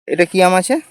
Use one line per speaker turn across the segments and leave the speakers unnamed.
এটা কি আম আছে?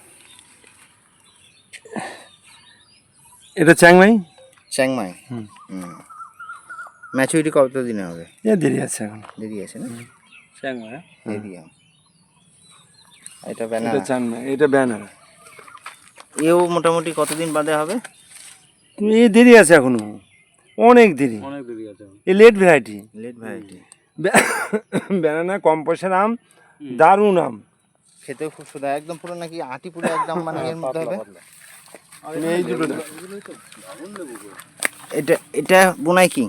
এটা চ্যাংমাই।
চ্যাংমাই।
হুম।
ম্যাচুরিটি কত দিনে হবে?
দেরি আছে এখন।
দেরি আছে না?
চ্যাংমাই।
দেরি আম। এটা
এটা
ব্যানানা।
চ্যাংমাই, এটা ব্যানানা।
এও মোটামুটি কতদিন বাদে হবে?
এই দেরি আছে এখনো, অনেক দেরি আছে। এই late variety.
Late variety.
Banana কম পয়সার আম, দারুণ আম।
খেতেও খুব সুন্দর, একদম পুরো নাকি আটি পুরো একদম মানে এর মধ্যে হবে।
তুমি এই দুটো দাও।
এটা এটা বোনাই কি?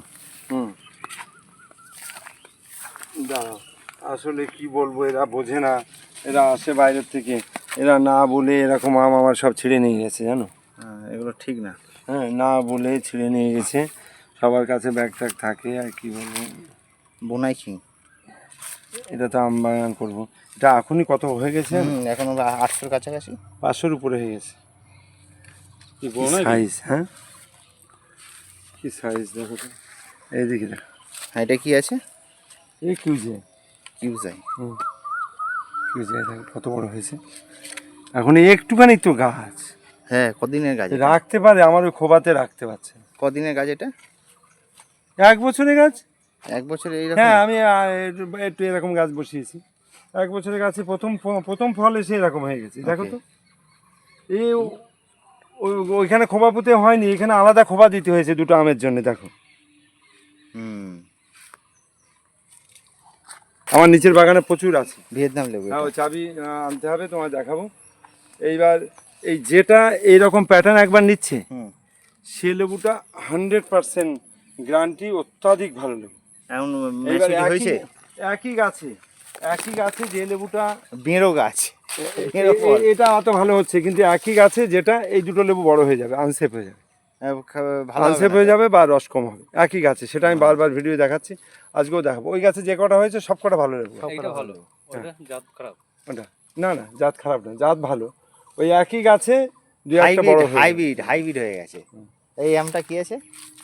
দাঁড়াও, আসলে কি বলবো, এরা বোঝে না, এরা আসে বাইরের থেকে, এরা না বলে এরকম আম আমার সব ছিঁড়ে নিয়ে গেছে জানো।
এগুলো ঠিক না।
হ্যাঁ, না বলে ছিঁড়ে নিয়ে গেছে। সবার কাছে ব্যাগ ট্যাগ থাকে, আর কি বলবো।
বোনাই কি?
এটা তো আম বাগান করবো। এটা এখনই কত হয়ে গেছে,
এখন 800-র কাছাকাছি,
500-র উপরে হয়ে গেছে। কি সাইজ, হ্যাঁ কি সাইজ দেখো তো, এইদিকে দেখো।
হ্যাঁ, এটা কি আছে?
এই কিউজে,
কিউজাই।
কিউজে দেখো কত বড় হয়েছে। এখন একটুখানি তো গাছ,
হ্যাঁ, কদিনের গাছ?
রাখতে পারে, আমার ওই খোবাতে রাখতে পারছে।
কদিনের গাছ এটা?
1 বছরের গাছ।
1 বছরে এইরকম?
হ্যাঁ, আমি একটু এরকম গাছ বসিয়েছি। 1 বছরের গাছে প্রথম ফল এসে এরকম হয়ে গেছে, দেখো তো। এই ওইখানে খোবা পুঁতে হয়নি, এখানে আলাদা খোবা দিতে হয়েছে দুটো আমের জন্য, দেখো। আমার নিচের বাগানে প্রচুর আছে
ভিয়েতনাম লেবু।
হ্যাঁ, ওই চাবি আনতে হবে, তোমায় দেখাবো। এইবার এই যেটা এইরকম প্যাটার্ন একবার নিচ্ছে, সে লেবুটা 100% গ্যারান্টি, অত্যাধিক ভালো লেবু।
এখন
এইবার
হয়েছে
একই গাছে যে লেবুটা
বেঁড়ো গাছ,
এটা অত ভালো হচ্ছে, কিন্তু একই গাছে যেটা এই দুটো লেবু বড় হয়ে যাবে, আনসেপ হয়ে যাবে, আনসেপ হয়ে যাবে বা রস কম হবে। একই গাছে, সেটা আমি বারবার ভিডিও দেখাচ্ছি, আজকেও দেখাবো। ওই গাছে যে কটা হয়েছে সব কটা ভালো লেবু। ওটা না না, জাত খারাপ না, জাত ভালো। ওই একই গাছে দুই একটা বড়
হাইব্রিড হয়ে গেছে। এই আমটা কি আছে?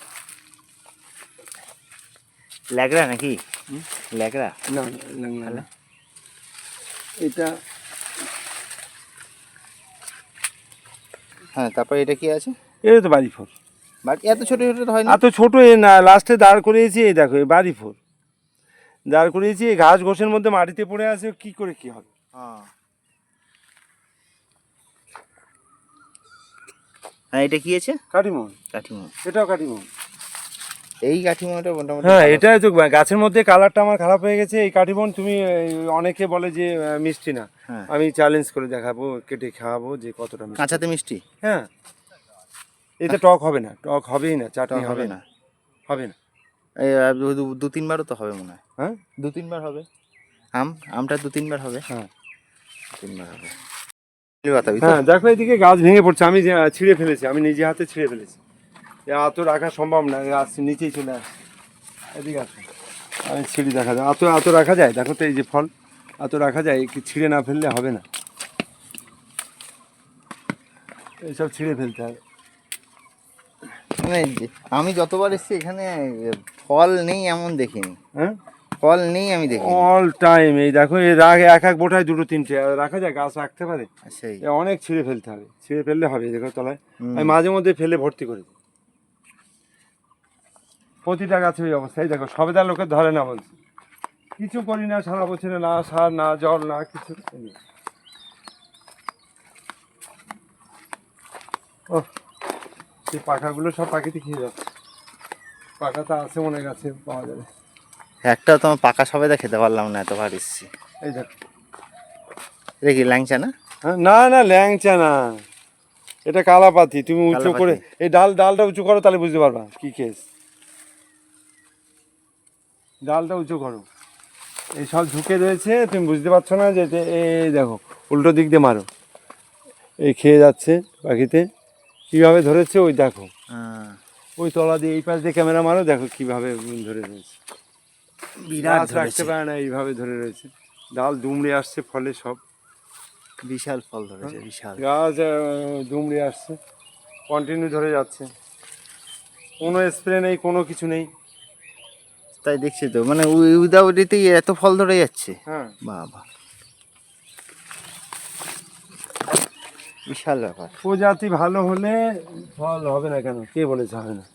ল্যাগড়া নাকি? ল্যাগড়া
না না, এটা
হ্যাঁ। তারপর এটা কি আছে?
এটা তো বাড়ি ফোর।
বাট এত ছোট ছোট হয় না?
এত ছোট এ না, লাস্টে দাঁড় করিয়েছি, এই দেখো এই বাড়ি ফোর দাঁড় করিয়েছি, এই ঘাস ঘোষের মধ্যে মাটিতে পড়ে আছে, কি করে কি হবে।
হ্যাঁ, এটা কি আছে?
কাটিমন। এটাও কাটিমন।
এই কাঠিমনটা মোটামুটি।
হ্যাঁ, এটাই তো, গাছের মধ্যে কালারটা আমার খারাপ হয়ে গেছে। এই কাটিমন তুমি অনেকে বলে যে মিষ্টি না, আমি চ্যালেঞ্জ করে দেখাবো, কেটে খাওয়াবো যে কতটা মিষ্টি।
কাঁচাতে মিষ্টি?
হ্যাঁ, এতে টক হবে না, টক হবেই না, চাটনি হবে না, হবে না।
এই 2-3বারও তো হবে মনে হয়।
হ্যাঁ,
2-3বার হবে। আমটা 2-3বার হবে।
হ্যাঁ
3বার হবে।
হ্যাঁ, দেখো এদিকে গাছ ভেঙে পড়ছে, আমি ছিঁড়ে ফেলেছি, আমি নিজে হাতে ছিঁড়ে ফেলেছি। এত রাখা সম্ভব না, গাছ নিচেই চলে আসে। এদিকে আসো, আমি ছিঁড়ে দেখা যায়, এত রাখা যায়, দেখো তো এই যে ফল, এত রাখা যায়, কি ছিঁড়ে না ফেললে হবে না, এইসব ছিঁড়ে ফেলতে হবে।
আমি যতবার এসেছি এখানে ফল নেই এমন দেখিনি।
হ্যাঁ,
ফল নেই আমি দেখি
অল টাইম। এই দেখো এই এক বোটায় 2-3টে রাখা যায়, গাছ রাখতে পারে।
সেই
অনেক ছিঁড়ে ফেলতে হবে, ছিঁড়ে ফেললে হবে। দেখো তলায় আমি মাঝে মধ্যে ফেলে ভর্তি করি, প্রতিটা গাছে ওই অবস্থায়। দেখো সবেদা লোকের ধরে না, বলছি কিছু করি না সারা বছরে, না সার না জল না কিছু। ও, সেই পাখাগুলো সব পাখিতে খেয়ে যাচ্ছে। পাখা তো আছে মনে গাছে পাওয়া যাবে।
একটা তো পাকা সবেদা খেতে পারলাম না, এতবার এসেছি।
এই দেখো,
এটা কি ল্যাংচা না?
হ্যাঁ, না না ল্যাংচা না, এটা কালাপাতি। তুমি উঁচু করে এই ডালটা উঁচু করো, তাহলে বুঝতে পারবা কি কেস। ডালটা উঁচু করো, এই সব ঝুঁকে রয়েছে, তুমি বুঝতে পারছো না যে এই দেখো উল্টো দিক দিয়ে মারো, এই খেয়ে যাচ্ছে পাখিতে। কীভাবে ধরেছে ওই দেখো, ওই তলা দিয়ে এই পাশ দিয়ে ক্যামেরা মারো, দেখো কীভাবে ধরে রয়েছে।
বিরাট
রাখতে পারে না, এইভাবে ধরে রয়েছে। ডাল দুমড়ে আসছে, ফলে সব
বিশাল ফল ধরেছে, বিশাল
গাছ দুমড়ে আসছে, কন্টিনিউ ধরে যাচ্ছে, কোনো স্প্রে নেই, কোনো কিছু নেই।
তাই দেখছি তো, মানে উইদাউট এতেই এত ফল ধরে যাচ্ছে।
হ্যাঁ,
বাবা, বিশাল ব্যাপার।
প্রজাতি ভালো হলে ফল হবে না কেন, কে বলেছে হবে না?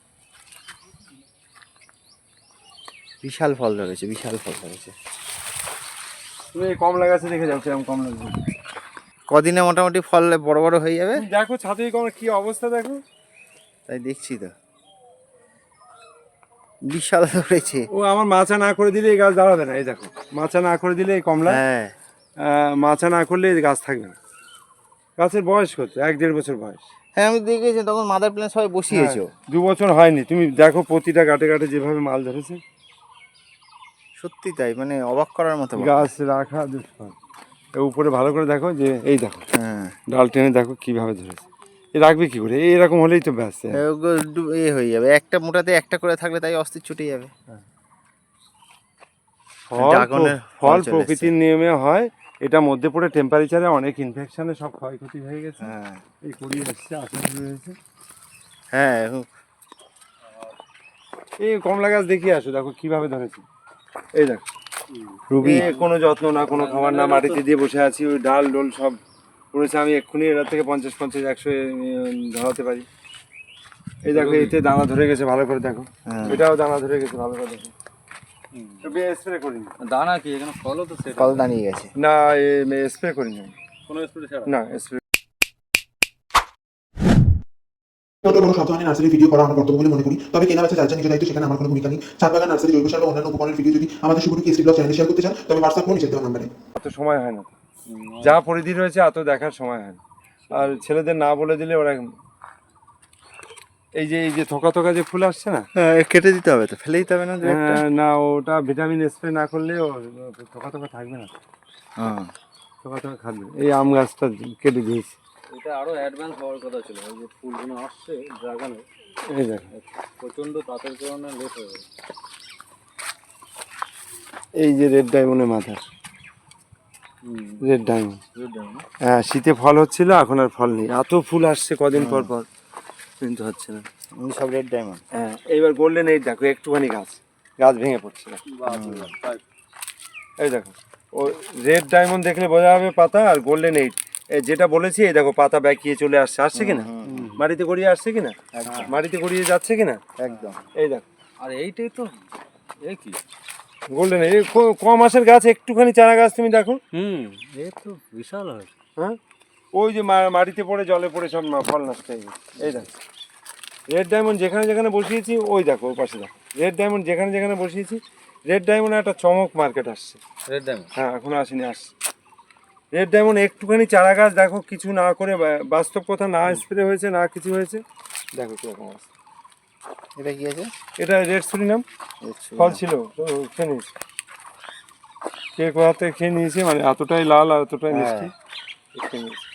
বিশাল ফল ধরেছে, বিশাল ফল ধরেছে।
তুমি এই কমলা গাছে দেখে যাও কিরকম কমলা ধরেছে।
কদিনে মোটামুটি ফল বড় বড় হয়ে যাবে।
তুমি দেখো ছাদে কমলা কি অবস্থা দেখো।
তাই দেখছি তো, বিশাল ধরেছে।
ও আমার মাচা না করে দিলে এই গাছ দাঁড়াবে না। এই দেখো মাচা না করে দিলে এই কমলা,
হ্যাঁ
মাচা না করলে এই গাছ থাকবে না। গাছের বয়স কত? 1-1.5 বছর বয়স।
হ্যাঁ আমি দেখেছি, তখন মাদার প্ল্যান সবাই বসিয়েছো।
2 বছর হয়নি। তুমি দেখো প্রতিটা গাটে গাটে যেভাবে মাল ধরেছে,
সত্যি তাই, মানে অবাক করার মতো ব্যাপার।
গাছ রাখা দুষ্কর। এর উপরে ভালো করে দেখো যে এই দেখো
হ্যাঁ
ডাল টেনে দেখো কিভাবে ধরেছে। এ রাখবে কি করে? এরকম হলেই তো ব্যাস।
এ হয়ে যাবে, একটা মোটাতে একটা করে থাকলে তাই অস্থির ছুটে যাবে।
ফল প্রকৃতির নিয়মে হয়, এটা মধ্যে পড়ে টেম্পারেচারে অনেক ইনফেকশনে সব ক্ষয়ক্ষতি হয়ে গেছে।
হ্যাঁ
এই করিয়ে আসছে, আসা শুরু হয়েছে।
হ্যাঁ
এই কমলা গাছ দেখিয়ে আসো, দেখো কিভাবে ধরেছে। এই দেখো
রুবি।
কোনো যত্ন না, কোনো খাবার না, মাটিতে দিয়ে বসে আছি, ওই ডাল ডোল সব পড়েছে। আমি এক্ষুনি এর থেকে 50-50-100 ধরাতে পারি। এই দেখো এতে দানা ধরে গেছে, ভালো করে দেখো। এটাও দানা ধরে গেছে, ভালো করে দেখো। স্প্রে করিনি।
দানা কি এখানে ফলও তো সেটা
ফল দাঁড়িয়ে গেছে
না, স্প্রে করিনি
কোনো স্প্রে ছাড়া
না। স্প্রে
কোনো সাবধানে নার্সারি ভিডিও করা আমার কর্তব্য বলে মনে করি। তবে কেনা বেচা যার যা নিজের দায়িত্ব, সেখানে আমার কোনো ভূমিকা নেই। ছাদ বাগান, নার্সারি, জৈব সার বা অন্যান্য উপকরণের ভিডিও যদি আমাদের শুধু কেসরি ব্লগ চ্যানেলে শেয়ার করতে চান, তবে হোয়াটসঅ্যাপ ফোন নিচে দেওয়া নাম্বারে।
অত সময় হয় না, যা পরিধি রয়েছে এত দেখার সময় হয় না। আর ছেলেদের না বলে দিলে ওরা এই যে থোকা থোকা যে ফুল আসছে না,
কেটে দিতে হবে তো, ফেলে দিতে হবে না
না ওটা ভিটামিন স্প্রে না করলে ও থোকা থোকা থাকবে না, থোকা থোকা খাবে। এই আম গাছটা কেটে দিয়েছি।
এটা আরো অ্যাডভান্স হওয়ার কথা ছিল। এই যে ফুলগুলো আসছে ড্রাগনের,
এই দেখো
প্রচন্ড তাপের কারণে লেট হয়ে গেছে।
এই যে রেড ডায়মন্ডের মাথা, রেড ডায়মন্ড। হ্যাঁ শীতে ফল হচ্ছিল, এখন আর ফল নেই। এত ফুল আসছে কদিন পর পর, কিন্তু হচ্ছে না।
সব রেড ডায়মন্ড।
হ্যাঁ এইবার গোল্ডেন এইট দেখো, একটুখানি গাছ ভেঙে পড়ছে না। এই দেখো ও রেড ডায়মন্ড দেখলে বোঝা যাবে পাতা, আর গোল্ডেন এইট যেটা বলেছি। এই দেখো পাতা ব্যাকিয়ে চলে আসছে, আসছে কিনা, মাটিতে গড়িয়ে আসছে কিনা, মাটিতে গড়িয়ে যাচ্ছে কিনা,
একদম।
এই দেখো।
আর এইটাই তো এ কি
গোল্ডেন এই কম মাসের গাছ, একটুখানি চারা গাছ তুমি দেখো।
এ তো বিশাল হয়।
হ্যাঁ ওই যে মাটিতে পড়ে জলে পড়ে সব ফল নষ্ট হয়ে গেছে। এই দেখো রেড ডায়মন্ড যেখানে যেখানে বসিয়েছি, ওই দেখো ওই পাশে দেখো রেড ডায়মন্ড যেখানে যেখানে বসিয়েছি। রেড ডায়মন্ড একটা চমক মার্কেট আসছে।
রেড ডায়মন্ড
হ্যাঁ এখনো আসেনি, আসছে রেড ডায়মন্ড। একটুখানি চারা গাছ দেখো, কিছু না করে, বাস্তব কথা, না স্প্রে হয়েছে না কিছু হয়েছে, দেখো কিরকম আছে।
এটা কি আছে?
এটা রেড সুরিনাম ফল ছিল, তো খেয়ে নিয়েছি। কে কোথাতে খেয়ে নিয়েছে, মানে এতটাই লাল আর এতটাই মিষ্টি, খেয়ে নিয়েছি।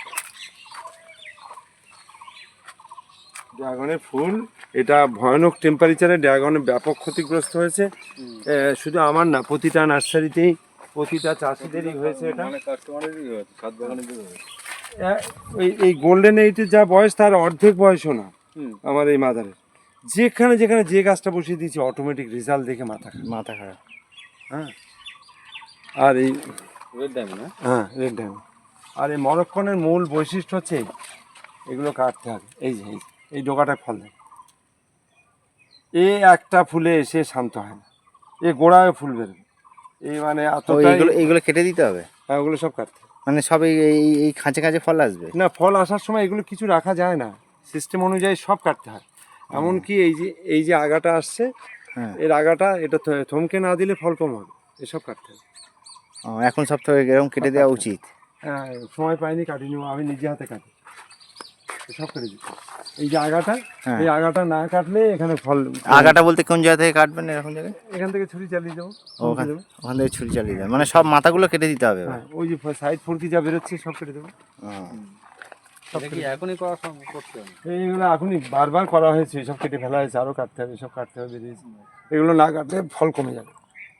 ড্রাগনের ফুল, এটা ভয়ানক টেম্পারেচারে ড্রাগনের ব্যাপক ক্ষতিগ্রস্ত হয়েছে। শুধু আমার না, প্রতিটা নার্সারিতেই, প্রতিটা চাষিদেরই হয়েছে এটা।
মানে কাস্টমারেরই হয়েছে, ছাদ বাগানেরই হয়েছে।
এই গোল্ডেন এইটের যা বয়স, তার অর্ধেক বয়সও না আমার এই মাদারের। যেখানে যেখানে যে গাছটা বসিয়ে দিয়েছি, অটোমেটিক রেজাল্ট দেখে মাথা খারাপ। হ্যাঁ আর এই
রেড ডায়মন্ড,
হ্যাঁ রেড ডায়মন্ড। আর এই মরক্কনের মূল বৈশিষ্ট্য হচ্ছে এগুলো কাটতে হবে। এই যে এই ডোকাটায় ফল দেয়, এ একটা ফুলে এসে শান্ত হয় না, এ গোড়ায় ফুল বেরোবে। এই মানে
এইগুলো কেটে দিতে হবে।
হ্যাঁ ওগুলো সব কাটতে হবে।
মানে সব এই খাঁচে খাঁচে ফল আসবে
না, ফল আসার সময় এগুলো কিছু রাখা যায় না, সিস্টেম অনুযায়ী সব কাটতে হয়। এমনকি এই যে আগাটা আসছে, এর আগাটা এটা থমকে না দিলে ফল কম হবে, এসব কাটতে হবে।
এখন সব তো এরকম কেটে দেওয়া উচিত।
হ্যাঁ সময় পাইনি, কাটিনি, আমি নিজে হাতে কাটি, সব কেটে দিচ্ছি। এই যে আগাটা, এই আগাটা না কাটলে এখানে ফল।
আগাটা বলতে কোন জায়গা থেকে কাটবেন? এরকম জায়গায়
এখান থেকে ছুরি চালিয়ে দেবো,
ওখান থেকে ছুরি চালিয়ে দেবেন, মানে সব মাথাগুলো কেটে দিতে হবে।
হ্যাঁ ওই যে সাইড ফুরকি যা বেরোচ্ছে সব কেটে দেবো।
এটা কি এখনই করা সম্ভব? করতে হবে
এইগুলো এখনই বারবার করা হয়েছে, সব কেটে ফেলা হয়েছে, আরও কাটতে হবে, সব কাটতে হবে, বেরিয়েছে। এগুলো না কাটলে ফল কমে যাবে।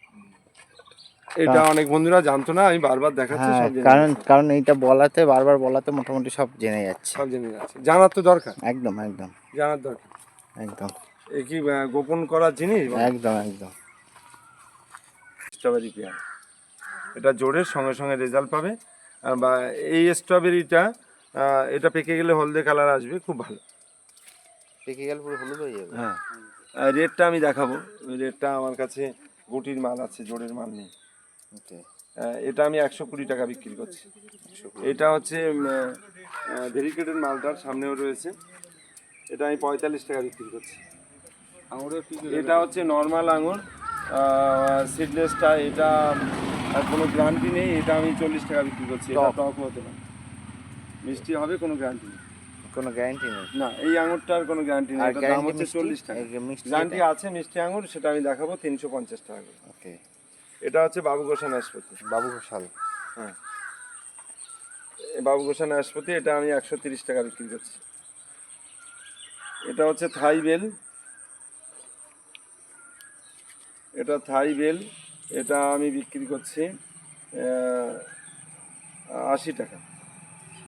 এটা অনেক বন্ধুরা জানতো না, আমি বারবার দেখাচ্ছি।
কারণ এইটা বারবার বলাতে মোটামুটি সব জেনে যাচ্ছে,
সব জেনে যাচ্ছে, জানার তো দরকার।
একদম একদম
জানার দরকার,
একদম।
এ কি গোপন করার জিনিস?
একদম একদম।
স্ট্রবেরি পেয়ারা, এটা জোরের সঙ্গে সঙ্গে রেজাল্ট পাবে। বা এই স্ট্রবেরিটা এটা পেকে গেলে হলদে কালার আসবে, খুব ভালো।
পেকে গেলে পুরো হলুদ হয়ে যাবে।
হ্যাঁ, রেটটা আমি দেখাবো। রেটটা আমার কাছে গুটির মাল আছে, জোড়ের মাল নেই।
ওকে।
এটা আমি 120 টাকা বিক্রি করছি। এটা হচ্ছে ভেরিকেটেড মালটার সামনেও রয়েছে, এটা আমি 45 টাকা বিক্রি করছি।
আঙুরের কি
এটা হচ্ছে নর্মাল আঙুর সিডলেসটা, এটা কোনো গ্যারান্টি নেই, এটা আমি 40 টাকা বিক্রি করছি। এটা
টক।
টক হতে পারে, মিষ্টি হবে, কোনো গ্যারান্টি নেই।
কোনো গ্যারান্টি নেই।
না, এই আঙুরটার কোনো গ্যারান্টি নেই,
আর
এটার দাম
গ্যারান্টি
হচ্ছে 40 টাকা।
মিষ্টি
গ্যারান্টি আছে মিষ্টি আঙুর, সেটা আমি দেখাবো 350 টাকা করে।
ওকে।
এটা হচ্ছে বাবু গোসা নাশপাতি।
বাবু ঘোষাল।
হ্যাঁ, এই বাবু গোসা নাশপাতি, এটা আমি 130 টাকা বিক্রি করছি। এটা হচ্ছে থাই বেল, এটা থাই বেল, এটা আমি বিক্রি করছি 80 টাকা।